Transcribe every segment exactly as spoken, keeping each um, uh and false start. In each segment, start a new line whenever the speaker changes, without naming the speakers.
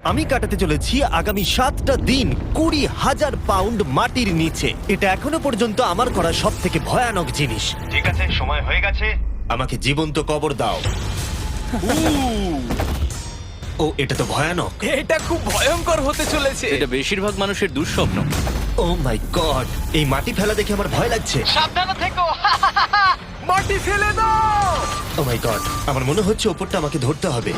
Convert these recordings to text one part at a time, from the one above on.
আমি কাটাতে চলেছি আগামী সাতটা দিন কুড়ি হাজার পাউন্ড মাটির নিচে। এটা এখনো পর্যন্ত আমার করা সব থেকে ভয়ানক জিনিস। ঠিক আছে, সময় হয়ে গেছে, আমাকে জীবন্ত কবর দাও। ও, এটা তো ভয়ানক।
এটা খুব ভয়ঙ্কর হতে চলেছে।
এটা বেশিরভাগ মানুষের দুঃস্বপ্ন।
ও মাই গড, এই মাটি ফেলা দেখে আমার ভয় লাগছে।
সাবধানে থেকো। মাটি ফেলে দাও।
ও মাই গড, আমার মনে হচ্ছে ওপরটা আমাকে ধরতে হবে।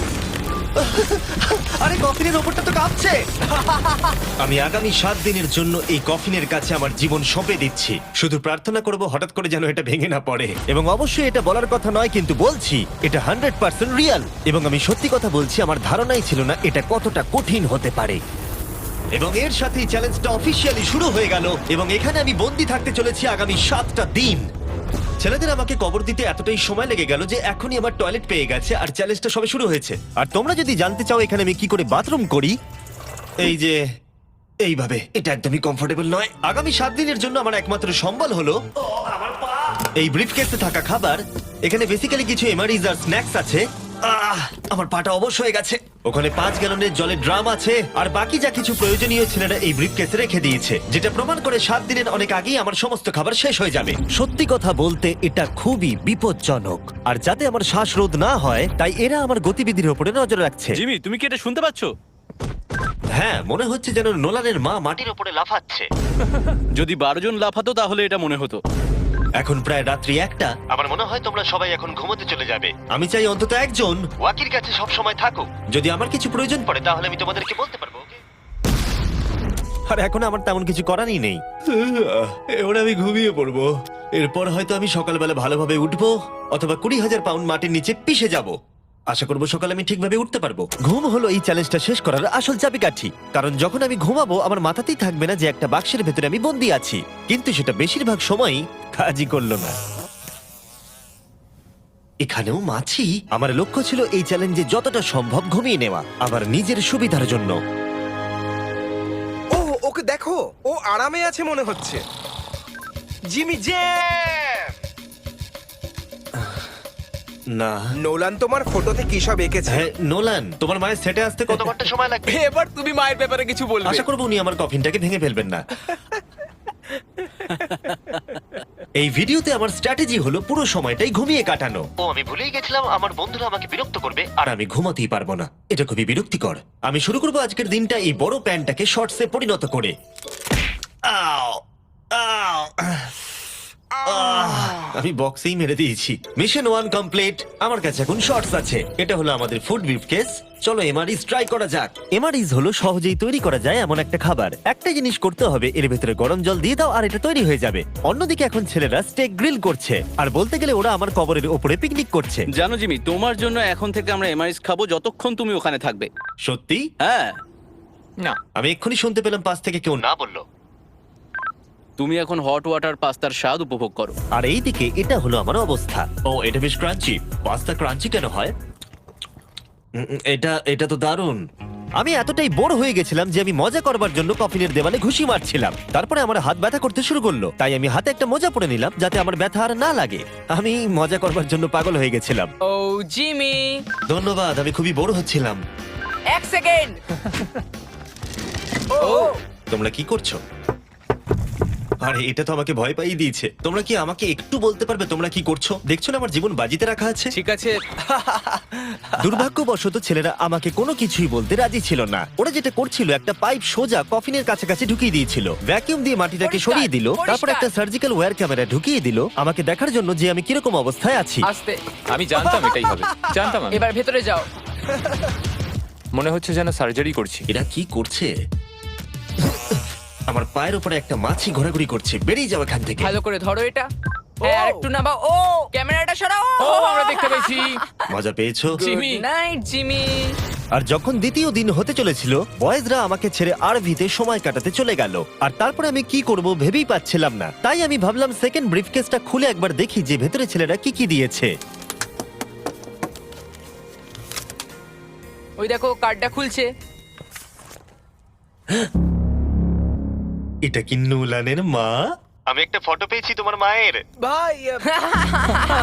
আরে কফিনের ওপরটা তো কাঁপছে। আমি আগামী সাত দিনের জন্য এই কফিনের কাছে আমার জীবন সঁপে দিচ্ছি। শুধু প্রার্থনা করব হঠাৎ করে যেন এটা ভেঙে না পড়ে। এবং অবশ্যই এটা বলার কথা নয়, কিন্তু বলছি এটা হান্ড্রেড পার্সেন্ট রিয়াল। এবং আমি সত্যি কথা বলছি, আমার ধারণাই ছিল না এটা কতটা কঠিন হতে পারে। এবং এর সাথেই চ্যালেঞ্জটা অফিসিয়ালি শুরু হয়ে গেল। এবং এখানে আমি বন্দি থাকতে চলেছি আগামী সাতটা দিন। ছেলেদের আমাকে কবর দিতে এতটাই সময় লেগে গেল যে এখনই আমার টয়লেট পেয়ে গেছে, আর চ্যালেঞ্জটা সবে শুরু হয়েছে। আর তোমরা যদি জানতে চাও এখানে আমি কি করে বাথরুম করি, এই যে এইভাবে, এটা একদমই কমফোর্টেবল নয়। আগামী সাত দিনের জন্য আমার একমাত্র সম্বল হলো এই ব্রিফকেসে থাকা খাবার। এখানে বেসিক্যালি কিছু এমারিজ আর স্ন্যাক্স আছে। আহ, আমার পাটা অবশ হয়ে গেছে। ওখানে পাঁচ গ্যালনের জলের ড্রাম আছে, আর বাকি যা কিছু প্রয়োজনীয় ছেলেরা এই ব্রিফকেসে রেখে দিয়েছে, যেটা প্রমাণ করে সাত দিনের অনেক আগেই আমার সমস্ত খাবার শেষ হয়ে যাবে। সত্যি কথা বলতে এটা খুবই বিপজ্জনক, আর যাতে আমার শ্বাসরোধ না হয় তাই এরা আমার গতিবিধির উপরে নজর রাখছে।
জিমি, তুমি কি এটা শুনতে পাচ্ছো?
হ্যাঁ, মনে হচ্ছে যেন নোলানের মা মাটির উপরে লাফাচ্ছে।
যদি বারো জন লাফাতো তাহলে এটা মনে হতো।
এখন প্রায় রাত্রি একটা। আমার মনে হয় তোমরা সবাই এখন ঘুমোতে চলে যাবে। আমি চাই অন্তত একজন ওয়াকির কাছে সব সময় থাকুক। যদি আমার কিছু প্রয়োজন পড়ে তাহলে আমি তোমাদেরকে বলতে পারবো। ওকে? আর এখন আমার তেমন কিছু করারই নেই। এবার আমি ঘুমিয়ে পড়বো। এরপর হয়তো আমি সকালবেলা ভালোভাবে উঠবো, অথবা কুড়ি হাজার পাউন্ড মাটির নিচে পিষে যাব। আশা করবো সকালে আমি ঠিকভাবে উঠতে পারবো। ঘুম হলো এই চ্যালেঞ্জটা শেষ করার আসল চাবিকাঠি। কারণ যখন আমি ঘুমাবো আমার মাথাতেই থাকবে না যে একটা বাক্সের ভেতরে আমি বন্দি আছি। কিন্তু সেটা বেশিরভাগ সময়ই কাজই করলো না। এখানেও মাছি। আমার লক্ষ্য ছিল এই চ্যালেঞ্জে যতটা সম্ভব ঘুমিয়ে নেওয়া, আমার নিজের সুবিধার জন্য।
ও, ওকে দেখো, ও আরামে আছে মনে হচ্ছে। জিমি জে
না,
নোলান তোমার ফটোতে কি সব এঁকেছে?
হ্যাঁ নোলান, তোমার মায়ের সেটে আসতে কত ঘন্টা সময় লাগবে?
এবার তুমি মায়ের ব্যাপারে কিছু বলবে।
আশা করবো উনি আমার কফিনটাকে ভেঙে ফেলবেন না। এই ভিডিওতে আমার স্ট্র্যাটেজি হলো পুরো সময়টাই ঘুমিয়ে কাটানো। ও, আমি ভুলেই গেছিলাম আমার বন্ধুরা আমাকে বিরক্ত করবে আর আমি ঘুমাতেই পারবো না। এটা খুবই বিরক্তিকর। আমি শুরু করবো আজকের দিনটা এই বড় প্যান্টটাকে শর্টসে পরিণত করে। আও, আও, আহ, আমি বক্সেই মেরে দিয়েছি। Mission one complete. আমার কাছে এখন শর্টস আছে। এটা হলো আমাদের ফুড ব্রিফকেস। চলো এমআরইজ ট্রাই করা যাক। এমআরইজ হলো সহজেই তৈরি করা যায় এমন একটা খাবার। একটা জিনিস করতে হবে, এর ভেতরে গরম জল দিয়ে দাও আর এটা তৈরি হয়ে যাবে। অন্যদিকে এখন ছেলেরা স্টেক গ্রিল করছে, আর বলতে গেলে ওরা আমার কবরের ওপরে পিকনিক করছে।
জানো জিমি, তোমার জন্য এখন থেকে আমরা এমআইএস খাবো যতক্ষণ তুমি ওখানে থাকবে।
সত্যি?
হ্যাঁ।
না,
আমি এক্ষুনি শুনতে পেলাম পাশ থেকে কেউ না বললো।
তুমি এখন হট ওয়াটার পাস্তার স্বাদ উপভোগ করো।
আর এইদিকে এটা হলো আমার অবস্থা। ও, এটা বেশ ক্রাঞ্চি। পাস্তা ক্রাঞ্চি কেন হয়? উম, উম, এটা এটা তো দারুণ। আমি এতটাই বোর হয়ে গেছিলাম যে আমি মজা করবার জন্য কফিনের দেওয়ালে ঘুষি মারছিলাম। তারপরে আমার হাত ব্যথা করতে শুরু করলো, তাই আমি হাতে একটা মোজা পরে নিলাম যাতে আমার ব্যথা আর না লাগে। আমি মজা করবার জন্য পাগল হয়ে গেছিলাম।
ও জিমি,
ধন্যবাদ, আমি খুবই বোর হচ্ছিলাম।
এক সেকেন্ড।
ও
তোমরা কি করছো? আরে এটা তো আমাকে ভয় পাইয়ে দিয়েছে। তোমরা কি আমাকে একটু বলতে পারবে তোমরা কি করছো? দেখছো না আমার জীবন বাজিতে রাখা আছে।
ঠিক আছে।
দুর্ভাগ্যবশত ছেলেরা আমাকে কোনো কিছুই বলতে রাজি ছিল না। ওরা যেটা করছিল, একটা পাইপ সোজা কফিনের কাছাকাছি ঢুকিয়ে দিয়েছিল, ভ্যাকিউম দিয়ে মাটিটাকে
পরিষ্কার,
সরিয়ে দিল, তারপর
পরিষ্কার।
একটা সার্জিক্যাল ওয়্যার ক্যামেরা ঢুকিয়ে দিল আমাকে দেখার জন্য যে আমি কিরকম অবস্থায় আছি।
আস্তে,
আমি জানতাম এটাই হবে, জানতাম আমি।
এবার ভেতরে যাও।
মনে হচ্ছে যেন সার্জারি করছি।
এরা কি করছে? আমার পায়ের উপরে একটা মাছি ঘোরাঘুরি করছে। বেরিয়ে যাও এখান থেকে।
ভালো করে ধরো এটা। হ্যাঁ, আর একটু নামাও। ও, ক্যামেরাটা সরাও।
ও, আমরা দেখতে পেয়েছি।
মজা পেয়েছো?
জিমি।
Night Jimmy.
আর যখন দ্বিতীয় দিন হতে চলেছিল, বয়েজরা আমাকে ছেড়ে আরভিতে সময় কাটাতে চলে গেল। আর তারপরে আমি কি করব ভেবেই পাচ্ছিলাম না। তাই আমি ভাবলাম সেকেন্ড ব্রিফকেসটা খুলে একবার দেখি যে ভেতরে ছেলেরা কি কি দিয়েছে।
ওই দেখো, কার্ডটা খুলছে।
এটা কি নোলানের মা? আমি একটা ফটো পেয়েছি তোমার মায়ের।
ভাই,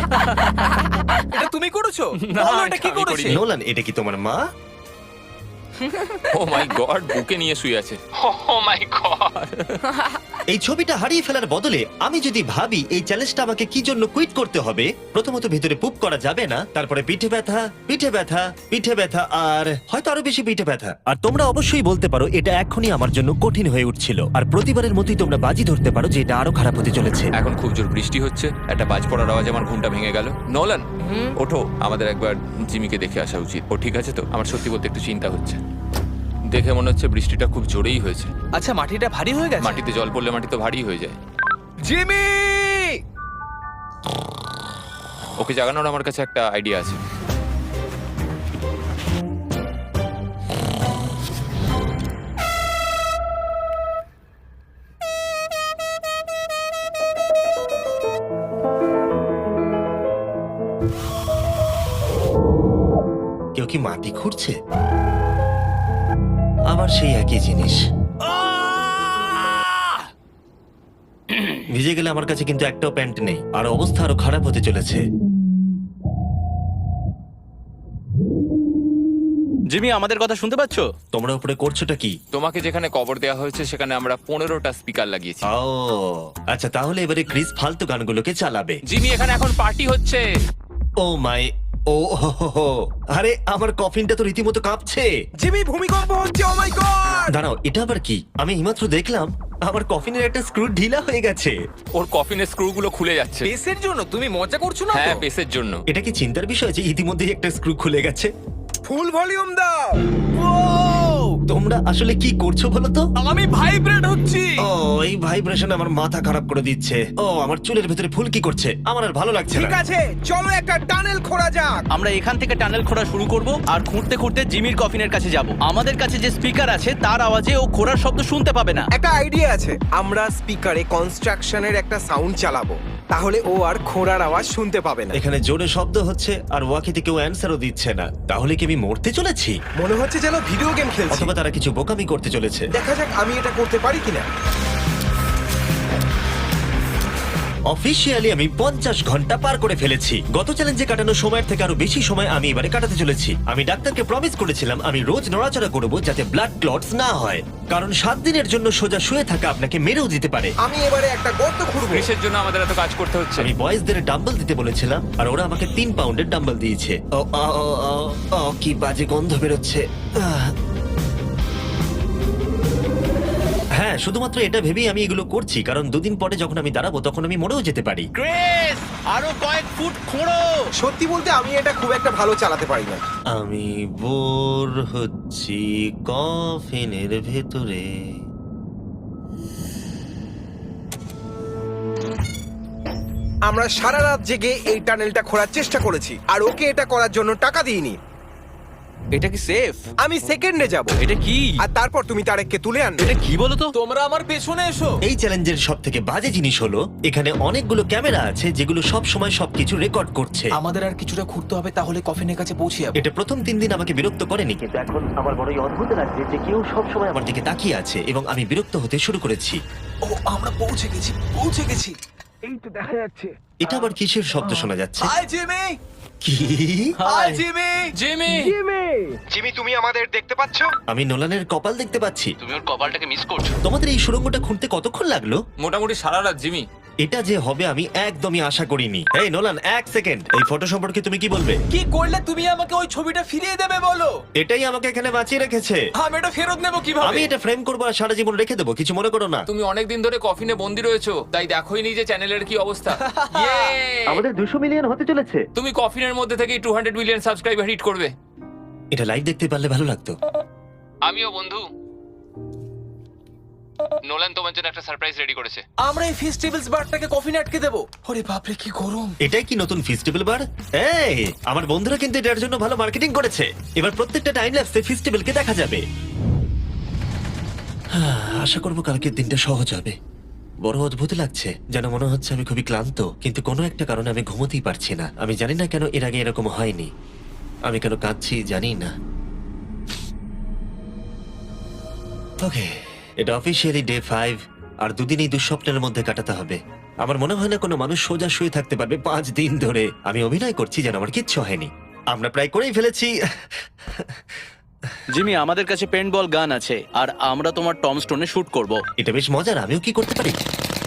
এটা তুমি করেছো?
না,
বলো এটা কি
এটা আমি
করেছে?
করিনি।
নোলান, এটা কি তোমার মা?
ও মাই গড, বুকে নিয়ে শুয়ে আছে। Oh my God.
এই ছবিটা হারিয়ে ফেলার বদলে আমি যদি ভাবি এই চ্যালেঞ্জটা আমাকে কি জন্য কুইট করতে হবে, প্রথমত ভিতরে পুপ করা যাবে না, তারপরে পিঠে ব্যথা, পিঠে ব্যথা, পিঠে ব্যথা, আর হয়তো আরো বেশি পিঠে ব্যথা। আর তোমরা অবশ্যই বলতে পারো এটা এখনই আমার জন্য কঠিন হয়ে উঠছিল, আর প্রতিবারের মতোই তোমরা বাজি ধরতে পারো যে এটা আরো খারাপ হতে চলেছে।
এখন খুব জোর বৃষ্টি হচ্ছে, একটা বাজ পড়ার আওয়াজে আমার ঘুমটা ভেঙে গেল। নোলান, ওঠো, আমাদের একবার জিমিকে দেখে আসা উচিত। ও ঠিক আছে তো? আমার সত্যি বলতে একটু চিন্তা হচ্ছে। দেখে মনে হচ্ছে বৃষ্টিটা খুব জোরেই হয়েছে।
আচ্ছা, মাটিটা ভারী হয়ে গেছে।
মাটিতে জল পড়লে মাটি তো ভারী হয়ে যায়।
জিমি!
ওকে জাগানোর আমার কাছে একটা আইডিয়া আছে।
কেউ কি মাটি খুঁড়ছে? আবার সেই একই জিনিস। ভিজে গেলে আমার কাছে কিন্তু একটাও প্যান্ট নেই, আর অবস্থা আরো খারাপ হতে চলেছে।
জিমি, আমাদের কথা শুনতে পাচ্ছো?
তোমরা উপরে করছোটা কি?
তোমাকে যেখানে কবর দেওয়া হয়েছে সেখানে আমরা পনেরোটা স্পিকার লাগিয়েছি।
ও আচ্ছা, তাহলে এবারে ক্রিস ফালতু গানগুলোকে চালাবে।
জিমি, এখানে এখন পার্টি হচ্ছে।
ও মাই, ও হো হো হো। আরে আমার কফিনটা তো রীতিমতো কাঁপছে।
জিমি, ভূমিকম্প হচ্ছে, ও মাই গড!
দাঁড়াও, এটা আবার কি? আমি এইমাত্র দেখলাম আমার কফিনের একটা স্ক্রু ঢিলা হয়ে গেছে।
ওর কফিনের স্ক্রু গুলো খুলে যাচ্ছে।
পেসের জন্য তুমি মজা করছো না
হ্যাঁ,
তো?
পেসের জন্য।
এটা কি চিন্তার বিষয় যে ইতিমধ্যেই একটা স্ক্রু খুলে গেছে?
ফুল ভলিউম দাও।
তোমরা আসলে কি করছো বলো তো?
আমি ভাইব্রেট হচ্ছি।
ও, এই ভাইব্রেশন আমার মাথা খারাপ করে দিচ্ছে। ও, আমার চুলের ভেতরে ফুলকি করছে, আমার আর ভালো লাগছে
ঠিক
না।
আছে, চলো একটা টানেল খোঁড়া যাক।
আমরা এখান থেকে টানেল খোঁড়া শুরু করব, আর খুঁড়তে খুঁড়তে জিমির কফিনের কাছে যাব। আমাদের কাছে যে স্পিকার আছে তার আওয়াজে ও খোঁড়ার শব্দ শুনতে পাবে না।
একটা আইডিয়া আছে, আমরা স্পিকারে কনস্ট্রাকশনের একটা সাউন্ড চালাবো, তাহলে ও আর খোঁড়ার আওয়াজ শুনতে পাবে না।
এখানে জোরে শব্দ হচ্ছে আর ওয়াকিতে কেউ অ্যান্সারও দিচ্ছে না। তাহলে কি আমি মরতে চলেছি?
মনে হচ্ছে যেন ভিডিও গেম খেলছি।
অথবা তারা কিছু বোকামি করতে চলেছে।
দেখা যাক আমি এটা করতে পারি কিনা।
অফিসিয়ালি আমি পঞ্চাশ ঘন্টা পার করে ফেলেছি। গত চ্যালেঞ্জে কাটানো সময়ের থেকে আরো বেশি সময় আমি এবারে কাটাতে চলেছি। আমি ডাক্তারকে প্রমিস করেছিলাম আমি রোজ নড়াচড়া করব যাতে ব্লাড ক্লটস না হয়, কারণ সাত দিনের জন্য সোজা শুয়ে থাকা আপনাকে মেরেও দিতে পারে।
আমি এবারে একটা গর্ত খুঁড়বো।
ক্রিসের জন্য আমাদের এত কাজ করতে হচ্ছে।
আমি বয়েজদের ডাম্বল দিতে বলেছিলাম আর ওরা আমাকে তিন পাউন্ডের ডাম্বল দিয়েছে। ও, ও, ও, ও, ও, কি বাজে গন্ধ বেরোচ্ছে। আহ। হ্যাঁ, শুধুমাত্র এটা ভেবেই আমি এগুলো করছি, কারণ দুদিন পরে যখন আমি দাঁড়াবো তখন আমি মরেও যেতে পারি।
ক্রিস, আরো কয়েক ফুট খোঁড়ো।
সত্যি বলতে আমি এটা খুব একটা ভালো চালাতে পারি না।
আমি বোর হচ্ছি কফিনের ভেতরে।
আমরা সারা রাত জেগে এই টানেলটা খোঁড়ার চেষ্টা করেছি, আর ওকে এটা করার জন্য টাকা দিইনি।
এটা কি সেফ?
আমি সেকেন্ডে যাব,
এটা কি?
আর তারপর তুমি তারেককে তুলে আনবে।
এটা কি বলো তো?
তোমরা আমার পেছনে এসো।
এই চ্যালেঞ্জের সব থেকে বাজে জিনিস হলো এখানে অনেকগুলো ক্যামেরা আছে যেগুলো সব সময় সবকিছু রেকর্ড করছে।
আমাদের আর কিছুটা ঘুরতে হবে, তাহলে কফিনের কাছে পৌঁছে যাবো।
এটা প্রথম তিন দিন আমাকে বিরক্ত করেনি, কিন্তু এখন আমার বড়ই অদ্ভুত লাগছে যে কেউ সব সময় আমার দিকে তাকিয়ে আছে এবং আমি বিরক্ত হতে শুরু করেছি।
ও, আমরা পৌঁছে গেছি, পৌঁছে গেছি।
এই তো দেখা যাচ্ছে।
এটা আবার কিসের শব্দ শোনা যাচ্ছে?
Hi Jimmy!
কি?
Hi Jimmy! জিমি!
জিমি, তুমি আমাদের দেখতে পাচ্ছ?
আমি নোলানের কপাল দেখতে পাচ্ছি।
তুমি ওর কপালটাকে মিস করছো।
তোমাদের এই সুড়ঙ্গটা খুঁড়তে কতক্ষণ লাগলো?
মোটামুটি সারা রাত জিমি।
এটা যে হবে আমি একদমই আশা করিনি। এই নোলান, এক সেকেন্ড, এই ফটো সম্পর্কে তুমি কি বলবে?
কি করলে তুমি আমাকে ওই ছবিটা ফিরিয়ে দেবে বলো?
এটাই আমাকে এখানে বাঁচিয়ে রেখেছে।
আমি এটা ফেরত নেব কিভাবে?
আমি এটা ফ্রেম করবো আর সারা জীবন রেখে দেবো, কিছু মনে করো না।
তুমি অনেকদিন ধরে কফিনে বন্দি রয়েছো, তাই দেখোই নি যে চ্যানেলের কি অবস্থা। Yay!
আমাদের দুশো মিলিয়ন হতে চলেছে।
তুমি কফিনের মধ্যে থেকে two hundred million subscriber hit করবে।
এটা লাইভ দেখতে পারলে ভালো লাগতো।
আমিও বন্ধু। নোলান তোমার জন্য একটা সারপ্রাইজ রেডি করেছে।
আমরা এই ফেস্টিভ্যালস বারটাকে কফিনে আটকে দেবো। ওরে বাপরে, কি গরম!
এটাই কি নতুন ফেস্টিভ্যাল বার? এই, আমার বন্ধুরা কিন্তু এটার জন্য ভালো মার্কেটিং করেছে। এবার প্রত্যেকটা টাইম ল্যাপসে ফেস্টিভ্যালকে দেখা যাবে। হ্যাঁ, আশা করবো কালকের দিনটা সহজ হবে। বড় অদ্ভুত লাগছে, যেন মনে হচ্ছে আমি খুবই ক্লান্ত, কিন্তু কোনো একটা কারণে আমি ঘুমোতেই পারছি না। আমি জানি না কেন এর আগে এরকম হয়নি। আমি কেন কাঁদছি জানি না। ওকে, এটা অফিসিয়ালি ডে ফাইভ, আর দুদিন এই দুঃস্বপ্নের মধ্যে কাটাতে হবে। আমার মনে হয় না কোনো মানুষ সোজা শুয়ে থাকতে পারবে পাঁচ দিন ধরে। আমি অভিনয় করছি যেন আমার কিচ্ছু হয়নি। আমরা প্রায় করেই ফেলেছি।
জিমি, আমাদের কাছে পেন্ট বল গান আছে আর আমরা তোমার টম স্টোনে শুট করব।
এটা বেশ মজার, আমিও কি করতে পারি?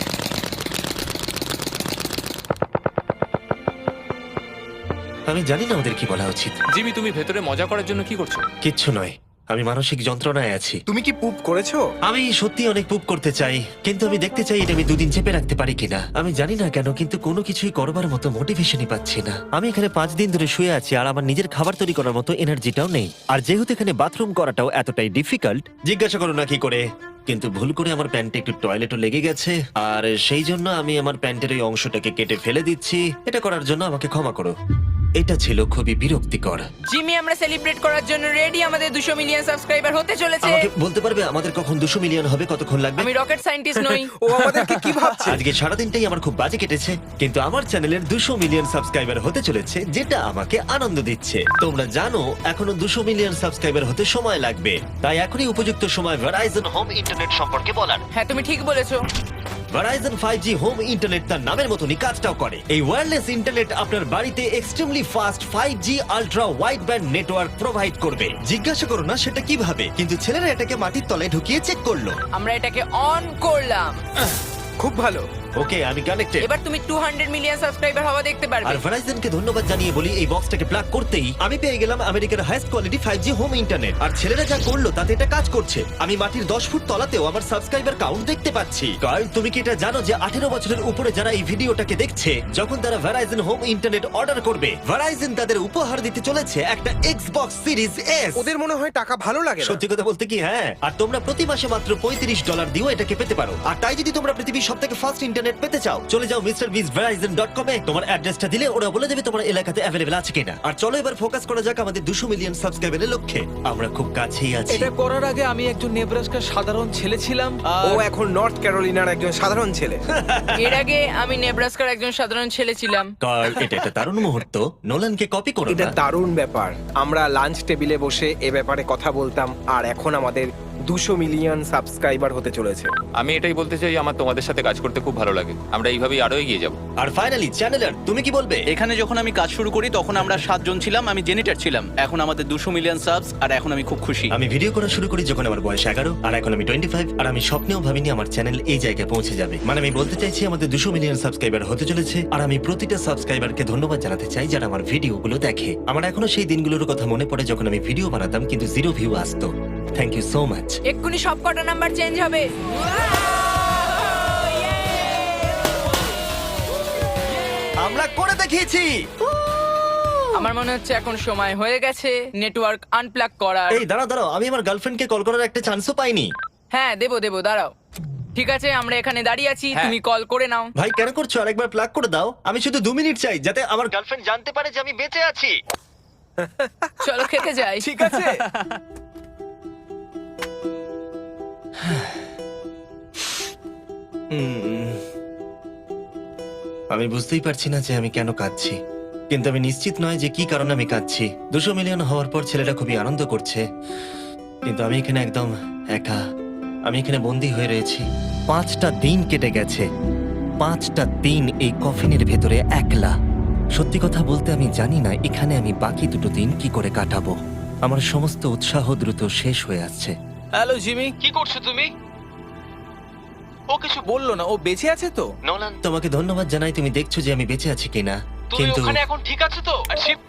আমি জানি না ওদের কি বলা উচিত।
জিমি, তুমি ভেতরে মজা করার জন্য কি করছো?
কিচ্ছু নয়, আমি মানসিক যন্ত্রণায় আছি।
তুমি কি পুপ করেছো?
আমি সত্যি অনেক পুপ করতে চাই, কিন্তু আমি দেখতে চাই এটা আমি দুদিন চেপে রাখতে পারি কিনা। আমি জানি না কেন, কিন্তু কোনো কিছুই করবার মতো মোটিভেশনই পাচ্ছি না। আমি এখানে পাঁচ দিন ধরে শুয়ে আছি আর আমার নিজের খাবার তৈরি করার মতো এনার্জিটাও নেই। আর যেহেতু এখানে বাথরুম করাটাও এতটাই ডিফিকাল্ট, জিজ্ঞাসা করো না কি করে, কিন্তু ভুল করে আমার প্যান্টে একটু টয়লেটও লেগে গেছে, আর সেই জন্য আমি আমার প্যান্টের ওই অংশটাকে কেটে ফেলে দিচ্ছি। এটা করার জন্য আমাকে ক্ষমা করো। এটা ছিল খুবই বিরক্তিকর।
জিমি, আমরা সেলিব্রেট করার জন্য রেডি। আমাদের দুশো মিলিয়ন সাবস্ক্রাইবার হতে চলেছে।
আমাকে বলতে পারবে আমাদের কখন দুশো মিলিয়ন হবে, কতক্ষণ লাগবে?
আমি রকেট সায়েন্টিস্ট নই।
ও আমাদেরকে কি ভাবছে?
আজকে সারাদিনটাই আমার খুব বাজে কেটেছে, কিন্তু আমার চ্যানেলের দুশো মিলিয়ন সাবস্ক্রাইবার হতে চলেছে, যেটা আমাকে আনন্দ দিচ্ছে। তোমরা জানো এখনো দুশো মিলিয়ন সাবস্ক্রাইবার হতে সময় লাগবে, তাই এখনই উপযুক্ত সময় ভেরাইজন হোম ইন্টারনেট সম্পর্কে বলার।
হ্যাঁ, তুমি ঠিক বলেছো।
Verizon five G home internet তার নামের মতনই কাজটাও করে। এই ওয়্যারলেস ইন্টারনেট আপনার বাড়িতে extremely fast five G ultra wide band network provide করবে। জিজ্ঞাসা করো না সেটা কিভাবে, কিন্তু ছেলেরা এটাকে মাটির তলায় ঢুকিয়ে চেক করলো।
আমরা এটাকে অন করলাম।
খুব ভালো।
ওকে, আমি কানেক্টেড।
এবার তুমি টু হান্ড্রেড মিলিয়ন সাবস্ক্রাইবার হওয়া দেখতে
আর
পারবে।
ভেরাইজনকে ধন্যবাদ জানিয়ে বলি, এই বক্সটাকে প্লাগ করতেই আমি পেয়ে গেলাম আমেরিকার highest quality five G home internet. আর ছেলেরা যা করলো তাতে এটা কাজ করছে। আমি মাটির দশ ফুট তলাতেও আমার সাবস্ক্রাইবার কাউন্ট দেখতে পাচ্ছি। কারণ তুমি কি এটা জানো যে আঠেরো বছরের উপরে যারা এই ভিডিওটাকে দেখছে, যখন তারা ভেরাইজন হোম ইন্টারনেট অর্ডার করবে, ভেরাইজন তাদের উপহার দিতে চলেছে একটা এক্সবক্স সিরিজ এস।
ওদের মনে হয় টাকা ভালো লাগে না।
সত্যি কথা বলতে কি, হ্যাঁ। আর তোমরা প্রতি মাসে মাত্র পঁয়ত্রিশ ডলার দিয়েও এটাকে পেতে পারো। আর তাই যদি তোমরা পৃথিবীর সবথেকে ফাস্ট ইন্টারনেট পেতে চাও, চলে যাও মিস্টার বিস ভেরাইজন ডট কম এ। তোমার অ্যাড্রেসটা দিলে ওরা বলে দেবে তোমার এলাকাতে অ্যাভেলেবল আছে কিনা। আর চলো এবার ফোকাস করা যাক আমাদের দুশো মিলিয়ন সাবস্ক্রাইবারের লক্ষ্যে। আমরা খুব কাছেই আছি।
এটা করার আগে আমি একজন নেব্রাস্কার সাধারণ ছেলে ছিলাম আর
ও এখন নর্থ ক্যারোলিনার একজন সাধারণ ছেলে।
এর আগে আমি নেব্রাস্কার একজন সাধারণ ছেলে ছিলাম।
কার্ল, এটা একটা দারুণ মুহূর্ত। নোলানকে কপি করো
এটা
না।
দারুণ ব্যাপার। আমরা লাঞ্চ টেবিলে বসে এ ব্যাপারে কথা বলতাম, আর এখন আমাদের দুশো মিলিয়ন সাবস্ক্রাইবার হতে চলেছে।
আমি এটাই বলতে চাই, আমার তোমাদের সাথে কাজ করতে খুব ভালো লাগে। আমরা এইভাবেই আরো এগিয়ে যাব।
আর ফাইনালি চ্যানেলার, তুমি কি বলবে?
এখানে যখন আমি কাজ শুরু করি তখন আমরা সাতজন ছিলাম, আমি জেনিটার ছিলাম। এখন আমাদের দুশো মিলিয়ন সাবস আর এখন আমি খুব খুশি।
আমি ভিডিও করা শুরু করি যখন আমার বয়স এগারো, আর এখন আমি টোয়েন্টি ফাইভ। আর আমি স্বপ্নেও ভাবিনি আমার চ্যানেল এই জায়গায় পৌঁছে যাবে। মানে আমি বলতে চাইছি আমাদের দুশো মিলিয়ন সাবস্ক্রাইবার হতে চলেছে, আর আমি প্রতিটা সাবস্ক্রাইবারকে ধন্যবাদ জানাতে চাই যারা আমার ভিডিওগুলো দেখে। আমার এখনো সেই দিনগুলোর কথা মনে পড়ে যখন আমি ভিডিও বানাতাম কিন্তু জিরো ভিউ আসতো। Thank you so much.
এক্ষুনি সব কটা নাম্বার চেঞ্জ হবে।
আমরা করে দেখিয়েছি।
আমার মনে হচ্ছে এখন সময় হয়ে গেছে নেটওয়ার্ক আনপ্লাগ করার।
এই দাঁড়াও দাঁড়াও, আমি আমার গার্লফ্রেন্ডকে কল করার একটা চান্সও পাইনি।
হ্যাঁ, দেবো দেবো, দাঁড়াও। ঠিক আছে, আমরা এখানে দাঁড়িয়ে আছি,
হ্যাঁ।
তুমি কল করে নাও।
ভাই কেন করছো? আরেকবার প্লাগ করে দাও। আমি শুধু দু মিনিট চাই যাতে আমার গার্লফ্রেন্ড জানতে পারে যে আমি বেঁচে আছি।
চলো খেতে যাই।
ঠিক আছে।
উম, আমি বুঝতেই পারছি না যে আমি কেন কাঁদছি, কিন্তু আমি নিশ্চিত নয় যে কি কারণে আমি কাঁদছি। দুশো মিলিয়ন হওয়ার পর ছেলেটা খুবই আনন্দ করছে, কিন্তু আমি এখানে একদম একা। আমি এখানে বন্দি হয়ে রয়েছি। পাঁচটা দিন কেটে গেছে, পাঁচটা দিন এই কফিনের ভেতরে একলা। সত্যি কথা বলতে আমি জানি না এখানে আমি বাকি দুটো দিন কি করে কাটাবো। আমার সমস্ত উৎসাহ দ্রুত শেষ হয়ে আসছে।
হ্যালো জিমি, কি করছো তুমি? ও কিছু বললো না, ও বেঁচে আছে তো?
নোলান, তোমাকে ধন্যবাদ জানাই, তুমি দেখছো যে আমি বেঁচে আছি কিনা।
তুমি
কিন্তু
ওখানে এখন ঠিক আছো তো? আর শিব-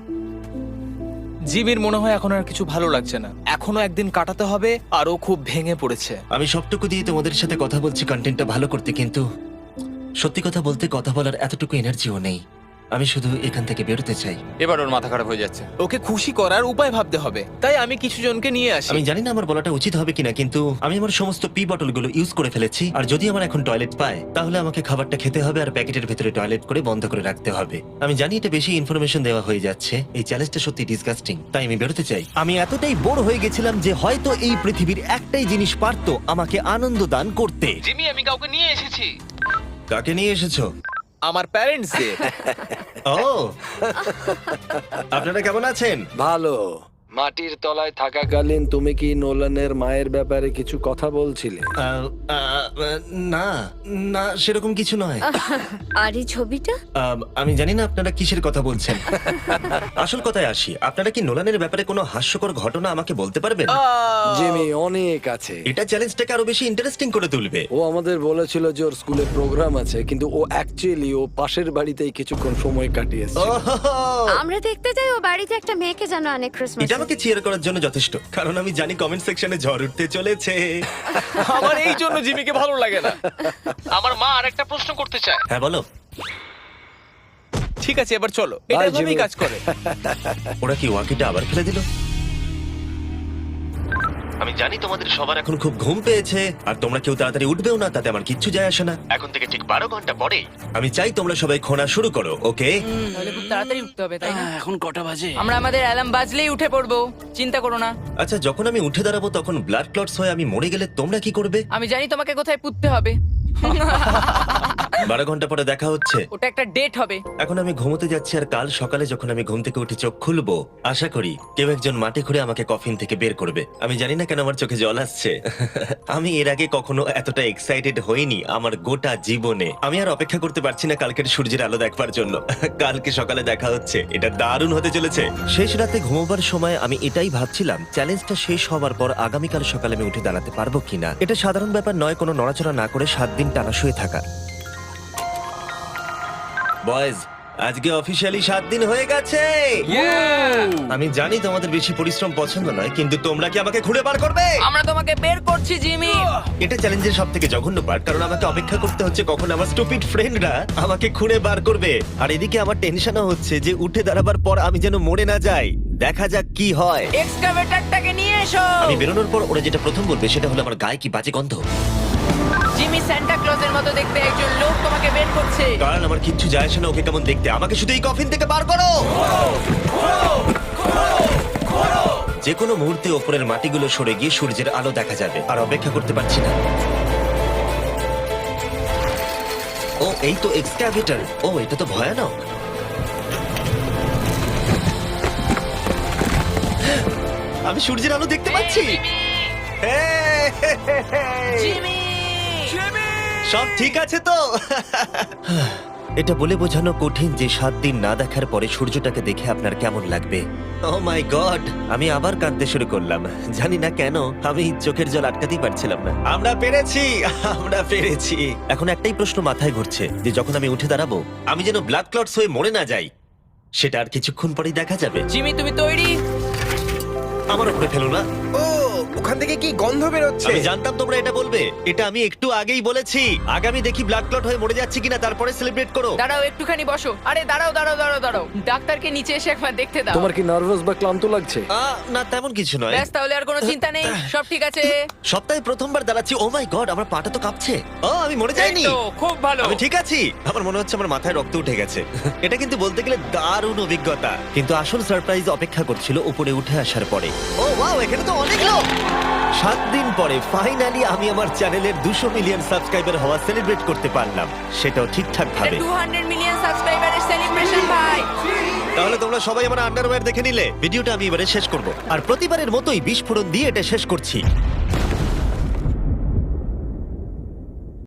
জিমির মনে হয় এখন আর কিছু ভালো লাগছে না। এখনো একদিন কাটাতে হবে আর ও খুব ভেঙে পড়েছে।
আমি সবটুকু দিয়ে তোমাদের সাথে কথা বলছি কন্টেন্টটা ভালো করতে, কিন্তু সত্যি কথা বলতে কথা বলার এতটুকু এনার্জিও নেই। আমি শুধু এখান থেকে বেরোতে চাই।
এবার ওর মাথা খারাপ হয়ে যাচ্ছে।
ওকে খুশি করার উপায় ভাবতে হবে, তাই আমি কিছু জনকে নিয়ে আসি।
আমি জানি না আমার বলাটা উচিত হবে কিনা, কিন্তু আমি আমার সমস্ত পি বটলগুলো ইউজ করে ফেলেছি। আর যদি আমার এখন টয়লেট পায় তাহলে আমাকে খাবারটা খেতে হবে আর প্যাকেটের ভেতরে টয়লেট করে বন্ধ করে রাখতে হবে। আমি জানি এটা বেশি ইনফরমেশন দেওয়া হয়ে যাচ্ছে, এই চ্যালেঞ্জটা সত্যি ডিসগাস্টিং, তাই আমি বেরোতে চাই। আমি এতটাই বোর হয়ে গেছিলাম যে হয়তো এই পৃথিবীর একটাই জিনিস পারতো আমাকে আনন্দ দান করতে।
জিমি, আমি কাউকে নিয়ে এসেছি।
কাকে নিয়ে এসেছো?
আমার প্যারেন্টস দের।
ও, আপনারা কেমন আছেন?
ভালো। মাটির তলায় থাকাকালীন তুমি কি নোলানের মায়ের ব্যাপারে কিছু কথা বলছিলে?
আহ, আহ, না না সেরকম কিছু নয়।
আর এই ছবিটা?
আহ, আমি জানি না আপনারা কিসের কথা বলছেন। আসল কথায় আসি, আপনারা কি নোলানের ব্যাপারে কোনো হাস্যকর ঘটনা আমাকে বলতে পারবেন?
জিমি, অনেক আছে।
এটা চ্যালেঞ্জটাকে আরো বেশি ইন্টারেস্টিং করে তুলবে।
ও আমাদের বলেছিল যে ওর স্কুলে প্রোগ্রাম আছে, কিন্তু ও অ্যাকচুয়ালি ও পাশের বাড়িতেই কিছুক্ষণ সময় কাটিয়েছে।
ওহো!
আমরা দেখতে যাই ও বাড়িতে একটা মেয়েকে জানো অনেক ক্রিসমাস।
এটা আমাকে চিয়ার করার জন্য যথেষ্ট, কারণ আমি জানি কমেন্ট সেকশনে ঝড় উঠতে চলেছে।
আমার এই জন্য জিমিকে ভালো লাগে না। আমার মা আরেকটা প্রশ্ন করতে চায়।
হ্যাঁ বলো।
ঠিক আছে, এবার চলো, এটা
Bye,
এভাবেই
জিমি।
কাজ করে।
ওরা কি ওয়াকিটা আবার ফেলে দিল? আমি জানি তোমাদের সবার এখন খুব ঘুম পেয়েছে, আর তোমরা কেউ তাড়াতাড়ি উঠবেও না, তাতে আমার কিচ্ছু যায় আসে না। এখন থেকে ঠিক বারো ঘন্টা পরে আমি চাই তোমরা সবাই খোঁড়া শুরু করো, ওকে?
তাহলে খুব তাড়াতাড়ি উঠতে হবে, তাই না?
এখন কটা বাজে?
আমরা আমাদের অ্যালার্ম বাজলেই উঠে পড়বো, চিন্তা করো না।
আচ্ছা, যখন আমি উঠে দাঁড়াবো তখন ব্লাড ক্লটস হয়ে আমি মরে গেলে তোমরা কি করবে?
আমি জানি তোমাকে কোথায় পুঁততে হবে।
বারো ঘন্টা পরে দেখা হচ্ছে।
ওটা একটা ডেট হবে।
এখন আমি ঘুমোতে যাচ্ছি, আর কাল সকালে যখন আমি ঘুম থেকে উঠে চোখ খুলবো, আশা করি কেউ একজন মাটি খুঁড়ে আমাকে কফিন থেকে বের করবে। আমি জানি না কেন আমার চোখে জল আসছে। আমি এর আগে কখনো এতটা এক্সাইটেড হইনি আমার গোটা জীবনে। আমি আর অপেক্ষা করতে পারছি না কালকের সূর্যের আলো দেখবার জন্য। কালকে সকালে দেখা হচ্ছে, এটা দারুণ হতে চলেছে। শেষ রাতে ঘুমোবার সময় আমি এটাই ভাবছিলাম, চ্যালেঞ্জটা শেষ হওয়ার পর আগামীকাল সকালে আমি উঠে দাঁড়াতে পারবো কিনা। এটা সাধারণ ব্যাপার নয় কোনো নড়াচড়া না করে সাত দিন টানা শুয়ে থাকা। বয়েজ, আজকে অফিসিয়ালি সাত দিন হয়ে গেছে। আমি জানি তোমাদের বেশি পরিশ্রম পছন্দ নয়, কিন্তু তোমরা কি আমাকে ঘুরে বার করবে?
আমরা তোমাকে বের করছি, জিমি।
এটা চ্যালেঞ্জের সব থেকে জঘন্য পার্ট, কারণ আমাকে অপেক্ষা করতে হচ্ছে কখন আমার স্টুপিড ফ্রেন্ডরা আমাকে খুঁড়ে বার করবে। আর এদিকে আমার টেনশনও হচ্ছে যে উঠে দাঁড়াবার পর আমি যেন মরে না যাই। দেখা যাক কি হয়।
এক্সকাভেটরটাকে নিয়ে এসো।
আমি বেরোনোর পর ওরা যেটা প্রথম বলবে সেটা হলো আমার গায়ে কি বাজে গন্ধ।
জিমি সান্টা ক্লজের মতো দেখতে একজন লোক তোমাকে বের করছে।
কারণ আমার কিচ্ছু যায় আসে না ওকে কেমন দেখতে, আমাকে শুধু এই কফিন থেকে বার করো। যে কোনো মুহূর্তে ওপরের মাটিগুলো সরে গিয়ে সূর্যের আলো দেখা যাবে, আর অপেক্ষা করতে পারছি না। ও, এই তো এক্সক্যাভেটর। ও, এটা তো ভয়ানক। আমি সূর্যের আলো দেখতে পাচ্ছি। হ্যাঁ,
জিমি!
সব ঠিক আছে তো? এটা বলে বোঝানো কঠিন যে সাত দিন না দেখার পরে সূর্যটাকে দেখে আপনার কেমন লাগবে। ও মাই গড, আমি আবার কাঁদতে শুরু করলাম। জানি না কেন, আমি চোখের জল আটকাতেই পারছিলাম না। আমরা পেরেছি, আমরা পেরেছি। এখন একটাই প্রশ্ন মাথায় ঘুরছে, যে যখন আমি উঠে দাঁড়াবো আমি যেন ব্লাড ক্লটস হয়ে মরে না যাই। সেটা আর কিছুক্ষণ পরেই দেখা যাবে।
জিমি, তুমি তৈরি?
আমার উপরে ফেলো না।
ও, ওখান থেকে কি গন্ধ বেরোচ্ছে?
আমি জানতাম তোমরা এটা বলবে। এটা আমি একটু আগেই বলেছি। আগামী দেখি ব্লাড ক্লট হয়ে মরে যাচ্ছি কিনা, তারপরে সেলিব্রেট করো।
দাঁড়াও, একটুখানি বসো। আরে দাঁড়াও দাঁড়াও দাঁড়াও দাঁড়াও, ডাক্তারকে নিচে এসে একবার দেখতে দাও।
তোমার কি নার্ভাস বা ক্লান্ত লাগছে?
আহ, না তেমন কিছু নয়।
ব্যাস, তাহলে আর কোনো চিন্তা নেই, সব ঠিক আছে।
সপ্তাহে প্রথমবার দাঁড়াচ্ছি। ও মাই গড, আমার পাটা তো কাঁপছে। ও, আমি মরে যাইনি।
এই তো, খুব ভালো।
আমি ঠিক আছি। আমার মনে হচ্ছে আমার মাথায় রক্ত উঠে গেছে। এটা কিন্তু বলতে গেলে দারুণ অভিজ্ঞতা, কিন্তু আসল সারপ্রাইজ অপেক্ষা করছিল উপরে উঠে আসার পরে। ও ওয়াও, এখানে তো অনেক লোক। সাত দিন পরে ফাইনালি আমি আমার চ্যানেলের দুশো মিলিয়ন সাবস্ক্রাইবার হওয়া সেলিব্রেট করতে পারলাম, সেটাও ঠিকঠাক ভাবে।
টু হান্ড্রেড মিলিয়ন সাবস্ক্রাইবারের সেলিব্রেশন, ভাই।
তাহলে তোমরা সবাই আমার আন্ডারওয়্যার দেখে নিলে। ভিডিওটা আমি এবারে শেষ করব, আর প্রতিবারের মতোই বিস্ফোরণ দিয়ে এটা শেষ করছি।